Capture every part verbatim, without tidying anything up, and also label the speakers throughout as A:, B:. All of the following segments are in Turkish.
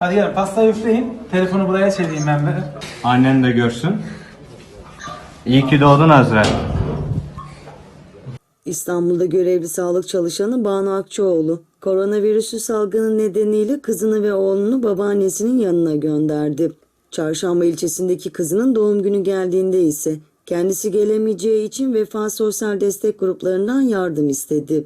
A: Hadi gelin pastayı üfleyin. Telefonu buraya çevireyim ben de.
B: Annen de görsün. İyi ki doğdun Azra.
C: İstanbul'da görevli sağlık çalışanı Banu Akçoğlu, koronavirüsü salgını nedeniyle kızını ve oğlunu babaannesinin yanına gönderdi. Çarşamba ilçesindeki kızının doğum günü geldiğinde ise kendisi gelemeyeceği için Vefa Sosyal Destek gruplarından yardım istedi.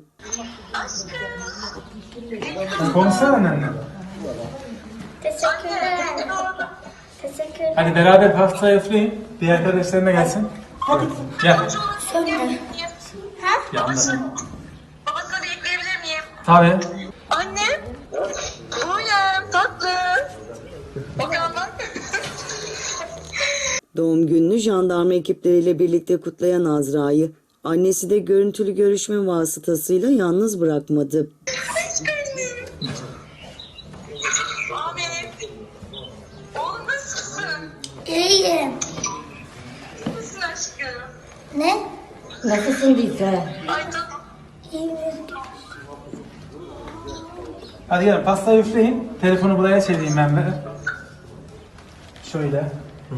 A: Konuşsana annenle.
D: Teşekkürler. Teşekkürler.
A: Hadi beraber pastayı üfleyin. Diğer arkadaşlarına gelsin. Hadi. Gel.
D: Söyle. Ha?
A: Yanında.
E: Babasını bekleyebilir miyim?
A: Tabii.
E: Anne. Buğyem tatlı. Bakalım bak.
C: Doğum gününü jandarma ekipleriyle birlikte kutlayan Azra'yı annesi de görüntülü görüşme vasıtasıyla yalnız bırakmadı.
E: Ahmet. Oğlum nasılsın?
D: İyiyim.
E: Nasılsın aşkım?
D: Ne?
F: Nasılsın Lisa?
E: Ay canım.
D: İyiyim.
A: Hadi gelin pastayı üfleyin. Telefonu buraya çevireyim ben de. Şöyle.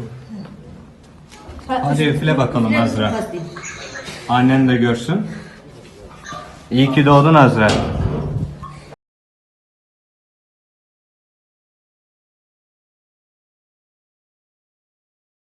B: Hadi üfle bakalım Azra. Annen de görsün. İyi ki doğdun Azra.